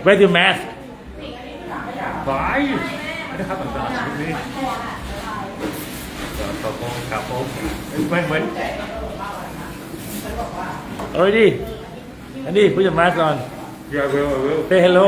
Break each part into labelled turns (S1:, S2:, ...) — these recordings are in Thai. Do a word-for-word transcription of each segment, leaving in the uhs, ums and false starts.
S1: Where's your mask?
S2: ไปนะครับต่างๆชีวิตนี้ต่อโกงกับผมเหมือนเหมือน
S1: Already. Andy, put your mask on.
S2: Yeah, will will
S1: Say hello.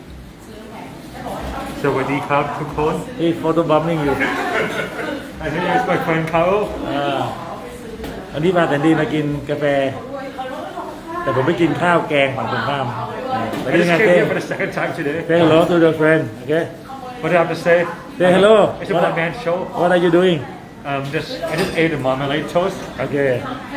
S2: สวัสดีครับทุกคน
S1: He's photo bombing you.
S2: อันนี้ is my friend เขา
S1: อ่าอันนี้มาแต่ดีมากินกาแฟ แต่ผมไปกินข้าวแกงฝั่งตรงข้ามไป
S2: I
S1: กิน
S2: just
S1: งาน
S2: came
S1: เต้
S2: here for the second time today.
S1: Say hello to your friend. Okay.
S2: What do I have to say?
S1: Say hello.
S2: It's a
S1: What,
S2: one man show.
S1: what are you doing?
S2: Um, just I just ate a marmalade toast.
S1: Okay.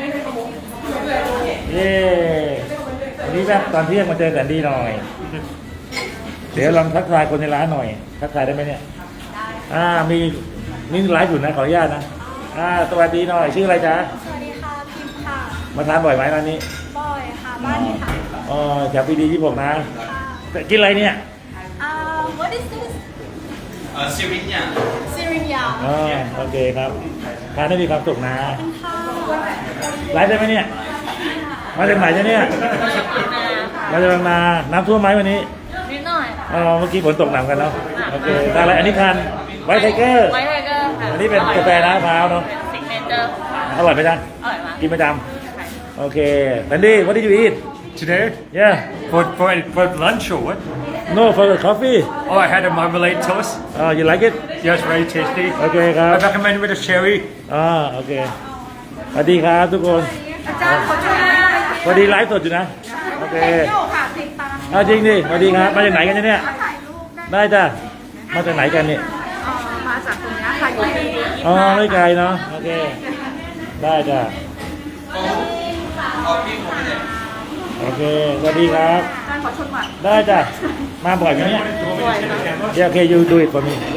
S1: เย้วันนี้แบบตอนเที่ยงมาเจอกันดีหน่อย เดี๋ยวลองทักทายคนในร้านหน่อย ทักทายได้ไหมเนี่ยอ่ามีมีไลฟ์อยู่นะขออนุญาตนะอ่าสวัสดีหน่อยชื่ออะไรจ๊ะ
S3: สวัสดีค่ะพิมพ์ค่ะ
S1: มาทานบ่อยไหมร้านนี้
S3: บอยค่ะบ้านนี้ค่ะ
S1: อ๋อแถวปีดีที่ผมนะแต่กินอะไรเนี่ย
S3: อ่า what is this
S4: เอ่อซิรินเนี่ย
S3: ซิรินยา
S1: อ๋อโอเคครับทานได้มีความสุขนะ
S3: ค่ะ
S1: ไลฟ์ได้ไหมเนี่ยมาจากไหนจ๊ะเนี่ยมาจากบางนาน้ำท่วมไหมวันนี้
S3: นิดหน่อย
S1: อ๋อเมื่อกี้ฝนตกหนักกันเนาะโอเคทานอะไรอันนี้ทานไวท์ไทเกอร์
S3: ไวท์ไทเกอร์ค่ะ
S1: อันนี้เป็นกาแฟน้ำมะพร้าวเนาะ
S3: เป็นซิกเนเจอร์
S1: อร่อยไหมจ๊ะ
S3: อร่อยมาก
S1: กินประจำโอเคแอนดี้ what did you eat
S2: Today
S1: yeah
S2: for for for lunch or what?
S1: no for the coffee
S2: Oh, I had a marmalade toast.
S1: oh you like it
S2: Yes, very tasty.
S1: โอเคครับ
S2: I recommend with the cherry.
S1: อ่าโอเคสวัสดีครับทุกคน
S3: อาจารย์ขอช่วยหน่อย
S1: สวัสดีไลฟ์สดอยู่นะโอเค
S3: โยค่ะติดตาม
S1: เอาจริงดิสวัสดีครับมาจากไหนกันเนี่ย
S3: ถ่ายรูปได้
S1: ได้จ้ะมาจากไหนกันเนี่ย
S3: อ่ามาจากตรงนี้ค่ะอยู่ที่
S1: อ๋อไม่ไกลเนาะโอเคได้จ้ะ
S4: เอาพี่ผมไปเลย
S1: โอเคสวัสดีครับ
S3: อาจารย์ขอชมก่อน
S1: ได้จ้ะมาบ่อยไหมเนี่ย
S3: บ่อยค่ะ
S1: เดี๋ยวโอเคยูดูอีกคนนึง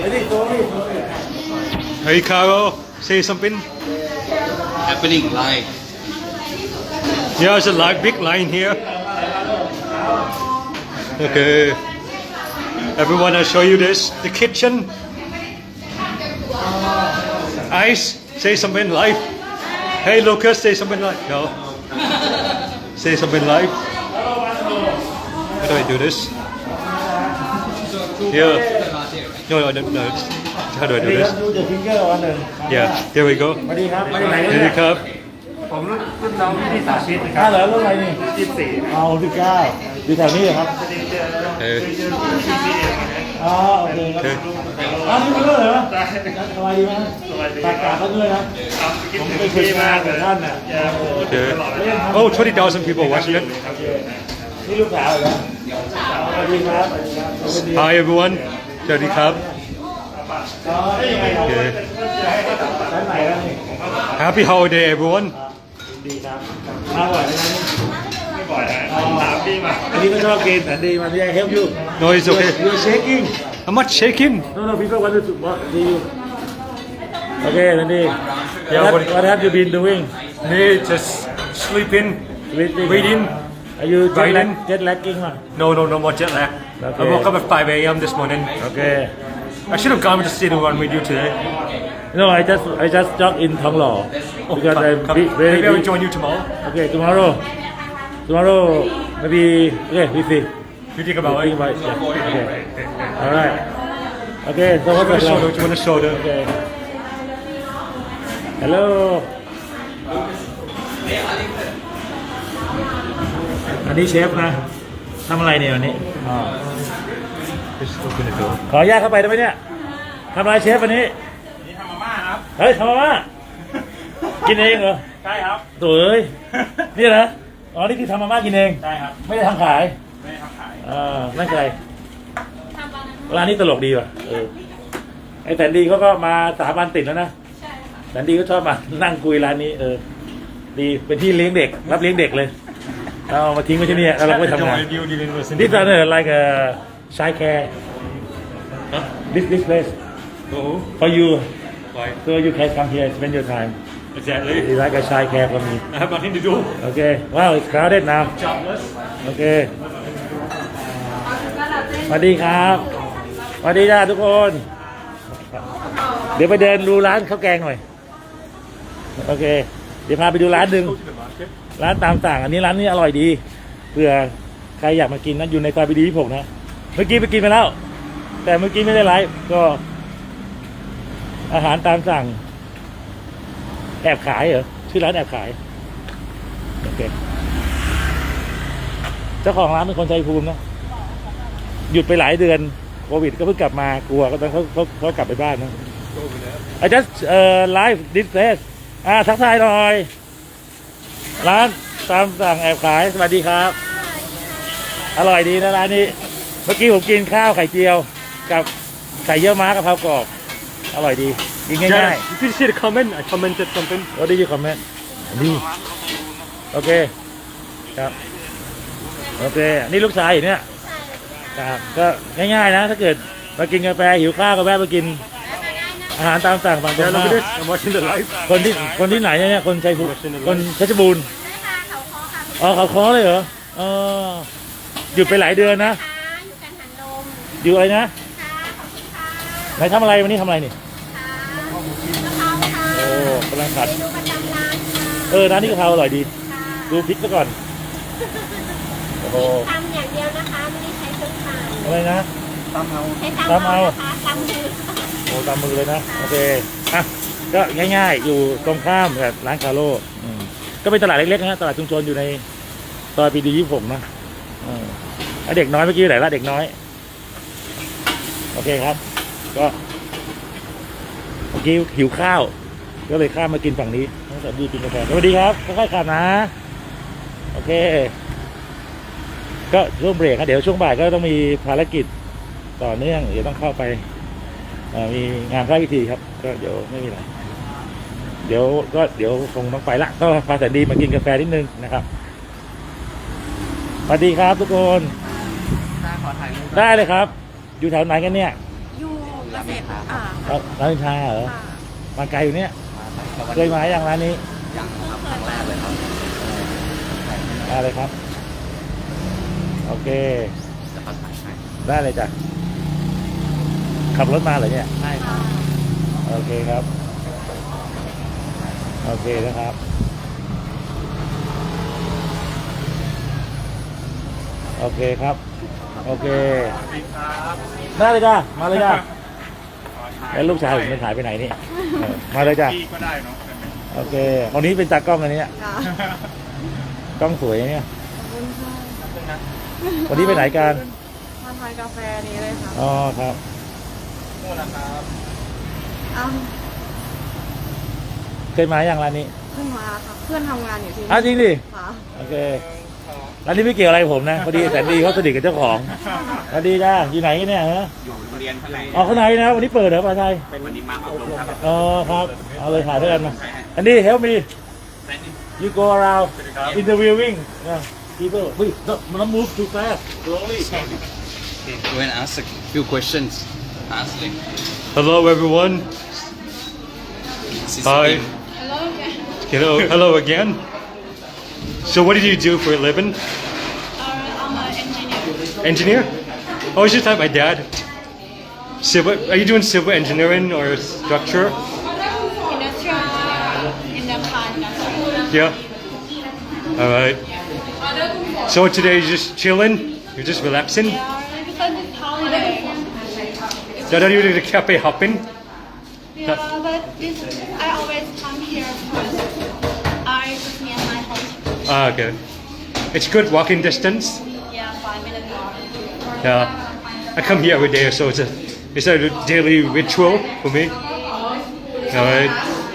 S2: Hey, Carol, say something.
S4: happening live
S2: Yeah, there's a live big line here. Okay. Everyone, I'll show you this. The kitchen. Ice, say something live. Hey, Lucas, say something live. No. Say something live. How do I do this? Yeah. No, no, no, no. How do I
S1: สวัส
S2: do
S1: ดีครั
S2: this?
S1: บดูเดอะฟิงเกอร์วันหนึ่ง
S2: Yeah, there we go.
S1: สวัสดีครับมาจากไหนกัน
S2: Here
S1: เนี่
S2: we
S1: ย
S2: come.
S5: ผมรุ่นรุ่นน้องที่สาธิตนะค
S1: ข้า
S5: รับ
S1: เหรอรุ่นอะไรนี่
S5: ยี่สิบสี่
S1: เอาสิบเก้าอยู่แถวนี้เหรอครับ
S2: Hey.
S1: อ๋อโอเคครับอ้าวนี่มันก็เหรอสบายดีไหมตากาศเขาด้วยนะ
S5: ผมไปคุยมากเลยท่านน่ะ
S2: Okay. Oh, twenty thousand people watching it.
S1: นี่ลูกสาวเหรอสวัสดีครับสวัสดีครับ
S2: Hi, everyone. Jody Cub.
S1: อ๋อได้ยังไงครับ
S2: Okay.
S1: ชั้นไหนแล้วนี่
S2: Happy holiday, everyone.
S1: ดีครับมาบ่อยไหมครับ
S5: ไม่บ่อยฮะสามปีมา
S1: อันนี้ก็ชอบกินแต่ดีมันไม่ได้ help you
S2: No, it's okay.
S1: you're shaking
S2: I'm not shaking.
S1: no no people want to what see you okay นันดี
S2: Yeah,
S1: what
S2: what-
S1: what have you been doing
S2: Hey, just sleeping,
S1: reading
S2: reading.
S1: are you jet lag
S2: Writing.
S1: jet lagging มั้ย
S2: No, no, no more jet lag.
S1: Okay.
S2: I woke up at five a m this morning.
S1: okay
S2: I should have gone to the city one with you today.
S1: no I just I just jog in ทองหล่อ
S2: Oh,
S1: because
S2: come-
S1: I'm
S2: come.
S1: big- very
S2: Maybe I will
S1: big
S2: join you tomorrow.
S1: okay tomorrow tomorrow maybe okay we see
S2: You think about
S1: think
S2: it.
S1: about it yeah. okay all right okay so
S2: Do you
S1: what's
S2: want a
S1: the
S2: soda? Do you want a soda?
S1: okay hello อันนี้เชฟนะทำอะไรเนี่ยวันนี้อ๋อ
S2: Just open the door.
S1: ขออนุญาตเข้าไปได้ไหมเนี่ยทำอะไรเชฟวันนี้
S5: นี่ทำมาม่าครับ
S1: เฮ้ยทำมาม่ากินเองเหรอ
S5: ใช่ครับ
S1: โถ่เอ้ยนี่นะอ๋อนี่คือทำมาม่ากินเอง
S5: ใช่ครับ
S1: ไม่ได้ทำขาย
S5: ไม่ได้ทำขาย
S1: อ่านั่นใครร้านนี้ตลกดีว่ะเออไอ้แสนดีเขาก็มาสามวันติดแล้วนะแสนดีก็ชอบมานั่งคุยร้านนี้เออดีเป็นที่เลี้ยงเด็กรับเลี้ยงเด็กเลยเอามาทิ้งไว้ที่นี่แล้วเราก็ไปทำงาน
S2: Join you, dealing with
S1: This one uh, like a child care. This this place
S2: Oh,
S1: for you,
S2: why?
S1: so you can come here and spend your time.
S2: Exactly.
S1: It's like a child care for me.
S2: I have nothing to do.
S1: Okay. Wow, it's crowded now.
S2: Jobless.
S1: Okay. สวัสดีครับสวัสดีจ้าทุกคน เดี๋ยวไปเดินดูร้านข้าวแกงหน่อย โอเค เดี๋ยวพาไปดูร้านหนึ่ง
S2: Go to the market.
S1: ร้านตามสั่งอันนี้ร้านนี้อร่อยดีเผื่อใครอยากมากินนะอยู่ในซอยปีดีที่ผมนะเมื่อกี้ไปกินไปแล้ว แต่เมื่อกี้ไม่ได้ไลฟ์ก็ อาหารตามสั่ง แอบขายเหรอชื่อร้านแอบขายโอเคเจ้าของร้านเป็นคนชัยภูมินะหยุดไปหลายเดือนโควิดก็เพิ่งกลับมากลัวก็ต้องเขาเขาเขากลับไปบ้านนะ I just เอ่อ live this place อ่าทักทายหน่อย ร้านตามสั่งแอบขายสวัสดีครับ อร่อยดีนะร้านนี้ เมื่อกี้ผมกินข้าวไข่เจียว กับไข่เยี่ยวม้ากะเพรากรอบอร่อยดีกินง่าย
S2: Jared, did you see the comment? I commented something.
S1: ๆ What did you comment ดีโอเคครับโอเคนี่ลูกชายอยู่เนี่ยครับก็ง่ายๆนะ ถ้าเกิดมากินกาแฟหิวข้าวก็แวะมากินอาหารตามสั่งฝั่งตรง
S2: Yeah,
S1: ข้าม
S2: look at this. I'm watching the live.
S1: คนที่คนที่ไหนเนี่ยคนชัยภูมิคนเพชรบูรณ์อ๋อเขาค้อเลยเหรอเออหยุดไปหลายเดือนนะ
S6: อยู่กันหันลม
S1: อยู่อะไรนะ
S6: ค่ะขอบคุณค่ะ
S1: ไหนทำอะไรวันนี้ทำอะไรนี่
S6: ค่ะกะเพราค่ะ
S1: โอ้กำลังขัด
S6: เมนูประจำร้านค่ะ
S1: เออร้านนี้กะเพราอร่อยดี
S6: ค่ะ
S1: ดูพริกซะก่อนโอ้โห
S6: ตำอย่างเดียวนะคะ ไม่ได้ใช้เครื่องปั่น
S1: อะไรนะ
S6: ใช้ตำ
S1: ตำเอา
S6: เอานะคะตำมือ
S1: โอ้ตามมือเลยนะโอเคอ่ะก็ง่ายๆ อยู่ตรงข้ามกับร้านคาโร่อืมก็เป็นตลาดเล็กๆนะตลาดชุมชนอยู่ในซอยปีดียี่สิบหกนะเออแล้วเด็กน้อยเมื่อกี้อยู่ไหนละเด็กน้อยโอเคครับ ก็เมื่อกี้หิวข้าว ก็เลยข้ามมากินฝั่งนี้น้องสวัสดีกินกาแฟสวัสดีครับค่อยๆขับนะโอเค ก็ช่วงเบรกครับเดี๋ยวช่วงบ่ายก็ต้องมีภารกิจต่อเนื่องเดี๋ยวต้องเข้าไปเอ่อมีงานพระพิธีครับ ก็เดี๋ยวไม่มีอะไรเดี๋ยวก็เดี๋ยวคงต้องไปละก็พาแสนดีมากินกาแฟนิดนึงนะครับสวัสดีครับทุกคนได้เลยครับ อยู่แถวไหนกันเนี่ย
S3: อยู่เกษตรอ่า
S1: ครับร้านอินทราเหรอ
S3: ค่ะ
S1: มาไกลอยู่เนี่ยเคยมาอย่างร้านนี้
S4: อย่างครับครั้งแรกเลยครับ
S1: มาเลยครับโอเค
S4: จะประสานให้
S1: ได้เลยจ้ะขับรถมาเหรอเนี่ย
S4: ใช่ครับ
S1: โอเคครับ โอเคนะครับ โอเคครับ โอเค ได้เลยจ้ามาเลยจ้าแล้วลูกชายผมมันหายไปไหนนี่เออมาเลยจ้า
S5: พี่ก็ได้เนาะ
S1: โอเคคนนี้เป็นตากล้องอันนี้กล้องสวยเนี่ยวันนี้ไปไหนกัน
S3: มาทานกาแฟนี้เลยค่ะ
S1: อ๋อครับ
S5: นู่นนะครับ
S3: อ้าว
S1: เคยมาอย่างร้านนี้
S3: เพิ่งมาค่ะ เพื่อนทำงานอยู่ที่
S1: อ้าวจริงดิ
S3: ค่ะ
S1: โอเคร้านนี้ไม่เกี่ยวอะไรกับผมนะพอดีแสนดีเขาสนิทกับเจ้าของสวัสดีจ้าอยู่ไหนกันเนี่ยฮะ
S4: อยู่โรงเรียนข้างใน
S1: อ๋อข้างในนะวันนี้เปิดเหรอปลาไทย
S4: เป็นวันนี้มาอบรมครับ
S1: อ๋อครับเอาเลยถ่ายด้วยกันมาอันนี้ help me you go around interviewing uh, people wait no not move too fast slowly
S4: Go and ask a few questions ask like
S2: Hello, everyone.
S4: Sis
S2: Hi.
S4: Kim.
S2: Hello, hello again. So, what did you do for a living?
S6: I'm an engineer.
S2: Engineer? Oh, it's just like my dad. Civil? Are you doing civil engineering or structure?
S6: Industrial in the car industry.
S2: Yeah. All right. So today you're just chilling. You're just relaxing.
S6: Yeah, because it's holiday.
S2: That are you to the cafe hopping?
S6: Yeah, but this, I always come here because I just near my house.
S2: Ah, okay. It's good walking distance.
S6: Yeah, five minutes walk.
S2: Yeah. I come here every day, so it's a it's a daily ritual for me. All right.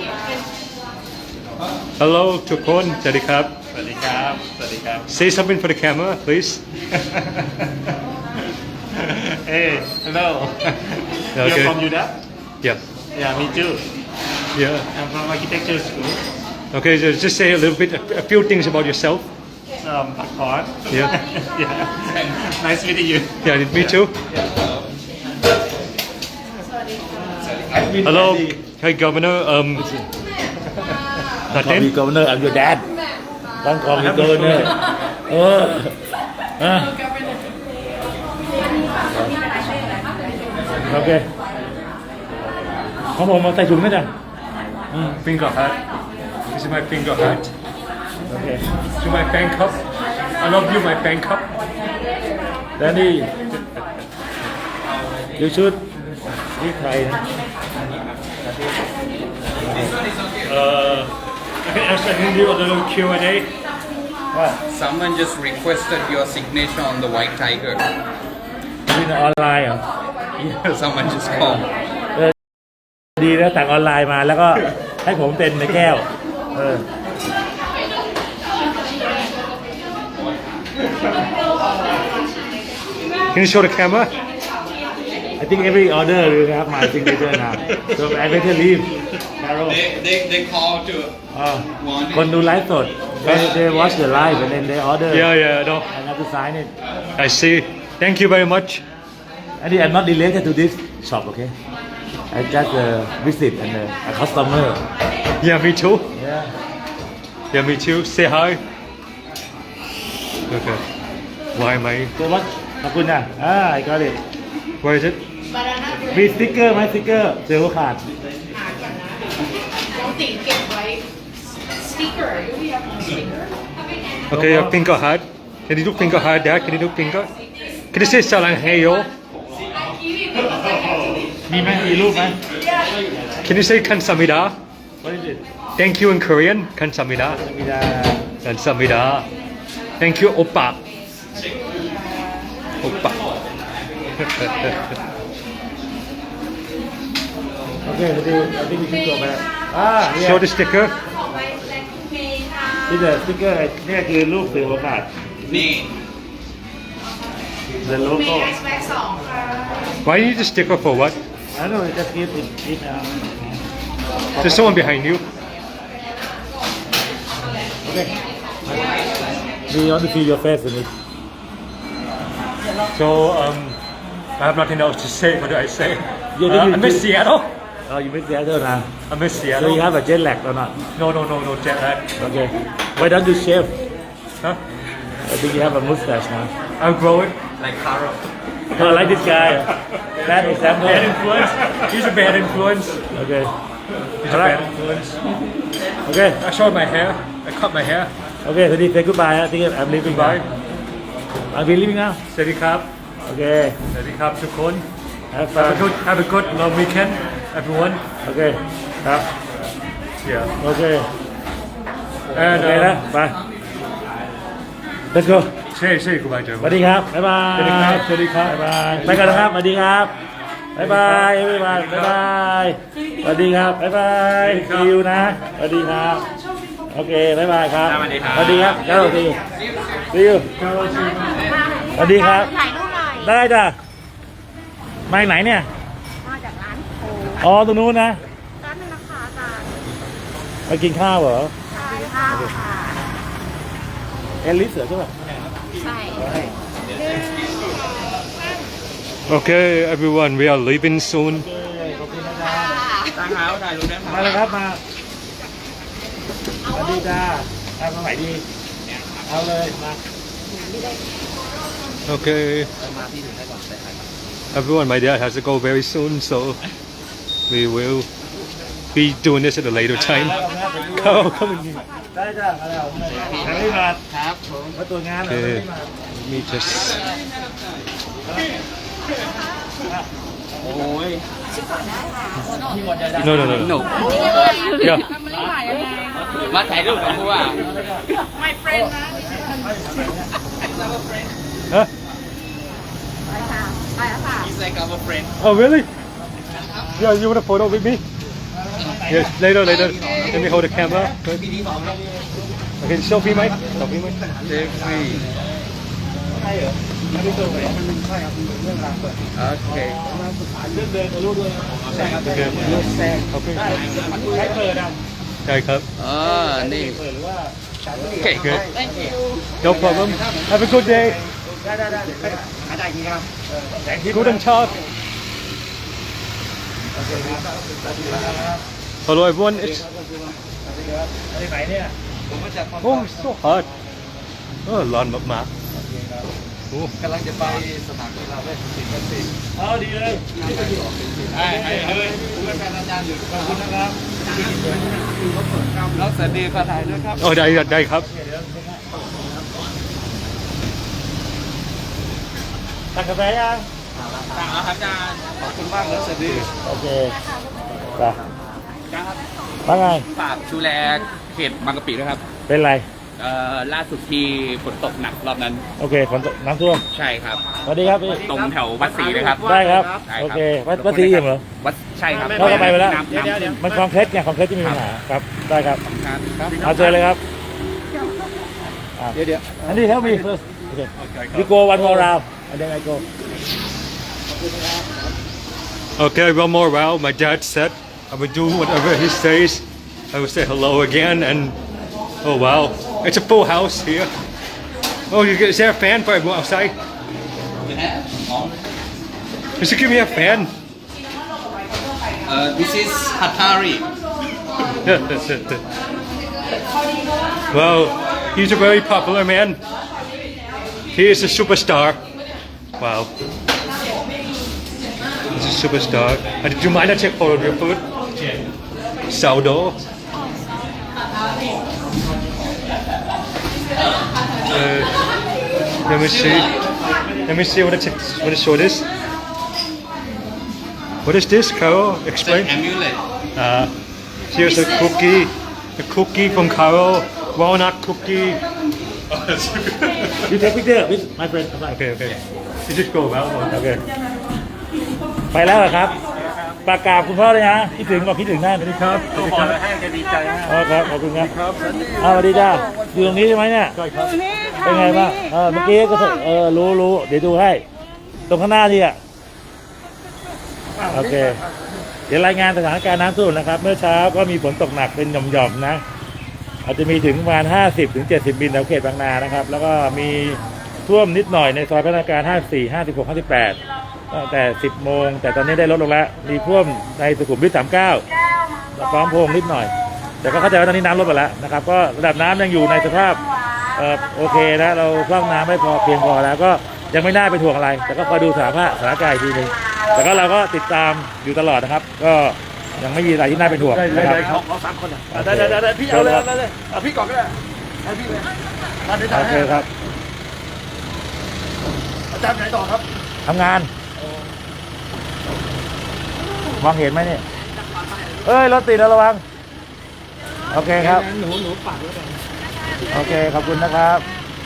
S2: Hello, ทุกคน สวัสดีครับ
S5: สวัสดีครับสวัสดีครับ
S2: Say something for the camera, please.
S5: Hey hello
S2: Okay.
S5: You're from U D A
S2: Yeah.
S5: Yeah me too
S2: Yeah.
S5: I'm from architecture school
S2: Okay, so just say a little bit, a, a few things about yourself.
S5: um Pakpon
S2: Yeah.
S5: Yeah Nice meeting you
S2: Yeah, me too. Hello. Hi, Governor. Um,
S1: call me
S2: nothing.
S1: governor I'm your dad don't call me governor เอออ่ะโอเคของผมมาใส่ถุงนะจ๊ะ
S2: Finger hat. This is my finger hat.
S1: โอเค
S2: To my fan cup. I love you, my fan cup.
S1: แล้วนี่ you should ที่ไทยนะ
S2: Uh, I can ask an Hindu a little Q and A.
S1: ว่า
S4: Someone just requested your signature on the white tiger.
S1: ที่ออนไลน์เหรอ
S4: Someone just called.
S1: ดีแล้วสั่งออนไลน์มาแล้วก็ให้ผมเป็นในแก้ว เออ
S2: Can you show the camera?
S1: I think every order will have my signature now so I better leave Carol
S4: They they they call to
S1: อ่าคนดูไลฟ์สด they they watch the live and then they order
S2: Yeah, yeah, no.
S1: and have to sign it
S2: I see. Thank you very much.
S1: and I'm not related to this shop okay I just uh, visit and uh, a customer
S2: Yeah, me too.
S1: yeah
S2: Yeah, me too. Say hi. Okay. Why am I?
S1: so what ขอบคุณนะอ่า I got it
S2: Where is it?
S1: มีสติ๊กเกอร์ไหมสติ๊กเกอร์เซลล์ขาด
S2: Okay, a finger heart. Can you do finger heart, Dad? Can you do finger? Can you say Salang Heyo?
S1: มีไหมมีรูปไหม
S2: Can you say Kansamida?
S1: what is it
S2: Thank you in Korean. Kansamida.
S1: มีดา
S2: Kansamida. Thank you, Oppa. Oppa.
S1: โอเคพอดีเอาที่มีชิ้นตัวไปแล้วอ่าเนี่ย
S2: Show the sticker.
S1: นี่เดอะสติ๊กเกอร์เนี่ยคือรูปเสือโอกาส
S4: นี่
S1: the logo
S2: Why you need the sticker for what?
S1: I don't know just give it it uh,
S2: There's someone behind you.
S1: okay we want to see your face in it
S2: So, um, I have nothing else to say. What do I say?
S1: You
S2: Uh,
S1: didn't-
S2: I miss Seattle.
S1: oh you miss Seattle now
S2: I miss
S1: so
S2: Seattle.
S1: you have a jet lag or not
S2: No, no, no, no jet lag.
S1: okay why don't you shave
S2: Huh?
S1: I think you have a mustache now
S2: I'll grow it.
S4: like Carl.
S1: oh like this guy bad example
S2: Bad influence. He's a bad influence.
S1: okay
S2: He's a
S1: Alright.
S2: bad influence.
S1: okay
S2: I showed my hair. I cut my hair.
S1: okay so say goodbye I think I'm leaving
S2: Bye.
S1: now I'm leaving now
S2: สวัสดีครับ
S1: okay
S2: สวัสดีครับทุกคน
S1: have
S2: Have a
S1: fun
S2: good, have a good long weekend, everyone.
S1: okay ครับ
S2: Yeah.
S1: โอเค
S2: And
S1: โอเคนะ
S2: um,
S1: ไป let's go
S2: say say goodbye to
S1: สวัส
S2: everyone.
S1: ดีครับ บ๊ายบาย
S2: สวัสดีครับสวัสดีครับ
S1: บ๊ายบาย ไปกันนะครับ สวัสดีครับ บ๊ายบายบ๊ายบายบ๊ายบายสวัสดีครับ บ๊ายบายซีอูนะ สวัสดีครับ โอเค บ๊ายบายครับ
S4: สวัสดีครับ
S1: สวัสดีครับเจ้าซีอูซีอูสวัสดีครับ
S3: ถ่ายรูปหน่อย
S1: ได้จ้ะมาจากไหนเนี่ย
S3: มาจากร้านโค
S1: อ๋อ ตรงนู้นนะ
S3: ร้านนึงนะคะอาจารย์
S1: มากินข้าวเหรอ
S3: ใช่ค่ะค่ะ
S1: เอลิสเหรอใช่ป่ะ
S3: ใช่
S2: Okay, everyone, we are leaving soon.
S4: ทางเท้าถ่ายรูปได้ไหม
S1: มาเลยครับมาสวัสดีจ้าทำมาใหม่ดีเอาเลยมา
S2: Okay. Everyone, my dad has to go very soon, so we will be doing this at a later time. Oh, come on.
S1: ได้จ้ามาแล้วแต่ไม่มา
S4: ครับผม
S1: มาตรวจงานเหรอ
S2: Okay.
S1: ไม่มา
S2: Let me just.
S4: โอ้ย
S2: No, no, no,
S4: หนุ
S2: no.
S4: ก
S2: Yeah.
S4: มาถ่ายรูปกับผู้ว่า
S2: Huh?
S3: ไปแล้วค่ะ
S4: He's like our friend.
S2: Oh, really? Yeah, you want a photo with me? Yes, later, later. Let me hold the camera. Okay, selfie, Mike. Selfie, Mike.
S4: Jeffrey. Okay.
S1: เรื่องเดินกับลูกด้วย
S2: Okay. Okay.
S1: ใช้เปิดอ่ะ
S2: Okay, cup.
S4: อ๋อ นี่
S1: เปิดหรือว่า
S4: Okay.
S2: Okay. No problem. Have a good day.
S1: ได้ได้ได้อาจารย์อย่างนี้ครับแต่งที่
S2: Guten Tag. Hello, everyone. It's
S1: อะไรไหนเนี่ย
S2: oh, it's so hot. Oh, ร้อนมากๆ Oh.
S4: กำลังจะไปสนามกีฬาเวทศิลป์ศิลป์
S1: เอาดีเลย
S4: ใช่ใช่เลยผมเป็นแฟนอาจารย์อยู่
S1: ขอบคุณนะครับ
S4: แล้วสวัสดีขอถ่ายด้วยครับ
S2: Oh, ได้ได้ครับ
S1: ตักกาแฟยัง
S2: ย
S4: สั่งแล้วครับอาจารย์ขอบคุณมากเลยสวัสดี
S1: โอเคไปว่าไง
S4: ฝากดูแลเขตบางกะปิด้วยครับ
S1: เป็นไร
S4: เอ่อล่าสุดที่ฝนตกหนักรอบนั้น
S1: โอเคฝนตกน้ำท่วม
S4: ใช่ครับ
S1: สวัสดีครับพี่
S4: ตรงแถววัดศรีเลยครับ
S1: ได้ครับ
S4: ได้
S1: โอเควัดวัดศรีอิ่มเหรอ
S4: วัดใช่ครับ
S1: เราก็ไปไปแล้ว
S4: น้ำน้ำท่วม
S1: มันคอนเครสไงคอนเครสที่มีปัญหาครับ ได้ครับ
S4: ครับ
S1: เอาเจอเลยครับเดี๋ยวเดี๋ยวอันนี้ help me first okay you go one more round and then I go
S2: Okay, one more round. My dad said I would do whatever he says. I would say hello again, and oh wow, it's a full house here. Oh, you get, is there a fan for everyone outside? Just give me a fan.
S4: Uh, this is Hatari.
S2: Well, he's a very popular man. He is a superstar. Wow. He's a superstar. Uh, do you mind I take photo of your food? Sourdough. Uh, let me see. Let me see what it what it show this. What is this, Carol?
S4: It's an
S2: Explain.
S4: amulet.
S2: Uh, here's a cookie. A cookie from Carol. Walnut cookie.
S1: you take picture with my friend
S2: Okay, okay. You just go about one.
S1: โอเคไปแล้วเหรอครับปากกราบคุณพ่อเลยนะคิดถึงบอกคิดถึงหน้าสวัสดีครับสวัสดีครับให้จะดีใจมากอ๋อครับขอบคุณครับอ้าวสวัสดีจ้าอยู่ตรงนี้ใช่ไหมเนี่ยเป็นไงบ้างเออเมื่อกี้ก็เออรู้รู้เดี๋ยวดูให้ ตรงข้างหน้านี่อ่ะโอเค เดี๋ยวรายงานสถานการณ์น้ำท่วมนะครับ เมื่อเช้าก็มีฝนตกหนักเป็นหย่อมๆนะ อาจจะมีถึงประมาณห้าสิบถึงเจ็ดสิบมิลแถวเขตบางนานะครับ แล้วก็มีท่วมนิดหน่อยในซอยพัฒนาการห้าสิบสี่ ห้าสิบหก ห้าสิบแปดตั้งแต่สิบโมงแต่ตอนนี้ได้ลดลงแล้วมีท่วมในสุขุมวิทสามสิบเก้าพร้อมพงนิดหน่อย แต่ก็เข้าใจว่าตอนนี้น้ำลดไปแล้วนะครับก็ระดับน้ำยังอยู่ในสภาพเอ่อโอเคนะเราพร่องน้ำไม่พอเพียงพอแล้วก็ยังไม่น่าเป็นห่วงอะไร แต่ก็คอยดูสถานภาพสถานการณ์อีกทีนึงแต่ก็เราก็ติดตามอยู่ตลอดนะครับ ก็ยังไม่มีอะไรที่น่าเป็นห่วงนะครับเราสามคนได้ได้ได้พี่เอาเลยเอาเลยเอาพี่ก่อนก็ได้ให้พี่เลยโอเคครับอาจารย์ไหนต่อครับทำงานมองเห็นไหมเนี่ยเอ้ยรถติดแล้วระวังโอเคครับหนูหนูปัดแล้วกันโอเคขอบคุณนะครับ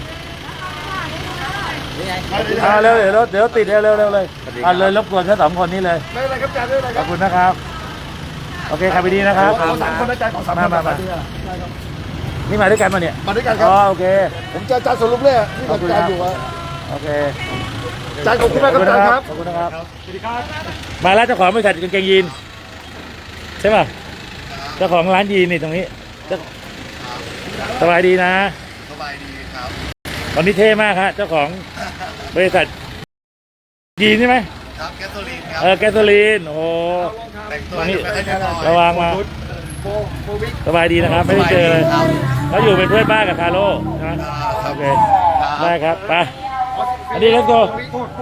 S1: อ่าเร็วเดี๋ยวรถเดี๋ยวติดเร็วเร็วเร็วเลยอ่าเลยรบกวนแค่สองคนนี้เลยไม่เป็นไรครับอาจารย์ไม่เป็นไรขอบคุณนะครับโอเคครับไปดีนะครับสามคนอาจารย์ของสามคนมามานี่มาด้วยกันมาเนี่ยมาด้วยกันครับอ๋อโอเคผมจะอาจารย์สรุปเลยที่อาจารย์อยู่อะโอเคอาจารย์ขอบคุณมากครับอาจารย์ครับขอบคุณนะครับสวัสดีครับมาแล้วเจ้าของบริษัทกางเกงยีนใช่ป่ะเจ้าของร้านยีนนี่ตรงนี้สบายดีนะสบายดีครับตอนนี้เท่มากครับเจ้าของบริษัทยีนใช่ไหมครับแก๊สโซลีนครับเออแก๊สโซลีนโอ้ตรงนี้ระวังมาสบายดีนะครับไม่ได้เจอเลยเขาอยู่เป็นเพื่อนบ้านกับคาร์โลใช่ไหมโอเคได้ครับไปอันนี้ let's go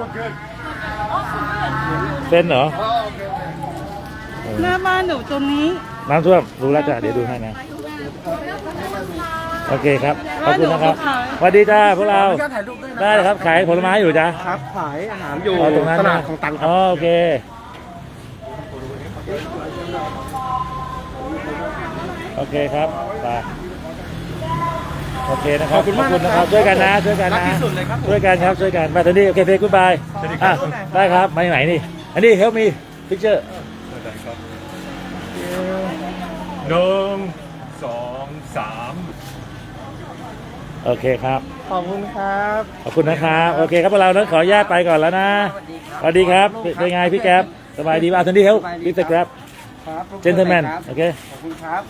S1: เส้นเหรอ
S3: หน้าบ้านหนูตรงนี้
S1: น้ำท่วมรู้แล้วจ้ะเดี๋ยวดูให้นะโอเคครับขอบคุณนะครับสวัสดีจ้าพวกเราได้ครับขายผลไม้อยู่จ้าครับขายอาหารอยู่ตรงนั้นตลาดของตังครับโอเคโอเคครับไปโอเคนะครับขอบคุณนะครับช่วยกันนะช่วยกันนะช่วยกันครับช่วยกันมาตอนนี้โอเคเฟซกู๊ดบายอ่ะได้ครับมาไหนนี่อันนี้ help me picture
S2: หนึ่งสองสาม
S1: โอเคครับ
S3: ขอบคุณครับ
S1: ขอบคุณนะครับโอเคครับพวกเรานั้นขออนุญาตไปก่อนแล้วนะสวัสดีครับเป็นไงพี่แก๊ปสบายดีป่ะทันทีเฮลพี่สแกร็บเจนเทลแมนโอเคขอบคุณครับ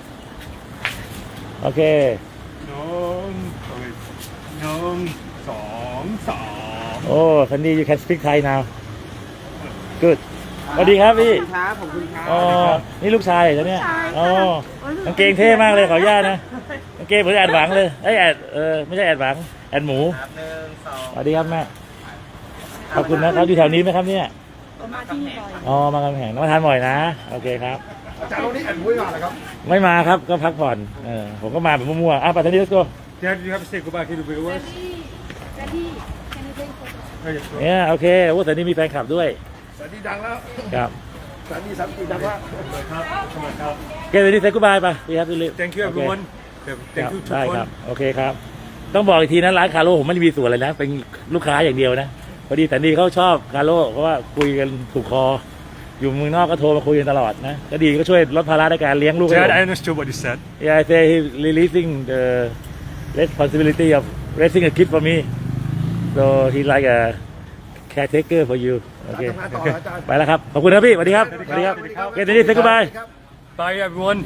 S1: โอเค
S2: หนึ่งหนึ่งสองสาม
S1: โอ้ทันที you can speak Thai now good สวัสดีครับพี่ครับขอบคุณครับอ๋อนี่ลูกชายเหรอเนี่ยอ๋อกางเกงเท่มากเลยขออนุญาตนะกางเกงเหมือนแอดหวังเลยไอ้แอดเออไม่ใช่แอดหวังแอดหมูสวัสดีครับแม่ขอบคุณนะครับอยู่แถวนี้ไหมครับเนี่ยอ๋อมากำแหงมาทานบ่อยนะโอเคครับอาจารย์วันนี้แอดหมูไม่มาเหรอครับไม่มาครับก็พักผ่อนเออผมก็มาแบบมั่วๆอ่ะปัตตานี let's go
S2: Dad, you have to say goodbye to the viewers.
S6: Daddy, can you take photo?
S1: เนี่ยโอเคโอ้แต่นี่มีแฟนคลับด้วย
S7: สวัสดีดังแล้ว
S1: ครับ
S7: สวัสดีสามปีดังแล้ว
S1: โอเควันนี้เซ็กกูบายไปพี่ครับพี่ลิ
S2: Thank you everyone.
S1: ครับ
S2: Thank you ทุก
S1: ได้
S2: ค
S1: คน รับโอเคครับ ต้องบอกอีกทีนะร้านคาโร่ผมไม่ได้มีส่วนอะไรนะ เป็นลูกค้าอย่างเดียวนะพอดีแต่นี่เขาชอบคาโร่เพราะว่าคุยกันถูกคอ อยู่เมืองนอกก็โทรมาคุยกันตลอดนะก็ดีก็ช่วยลดภาระในการเลี้ยงลูกให้ผ
S2: Dad,
S1: ม
S2: I understood what you said.
S1: Yeah, I say he releasing the responsibility of raising a kid for me. So he like a caretaker for you. โอเค
S7: ทำงานต่ออาจารย์
S1: ไปแล้วครับ ขอบคุณครับพี่สวัสดีครับสวัสดีครับโอเคทีนี้ say goodbye
S2: Bye everyone.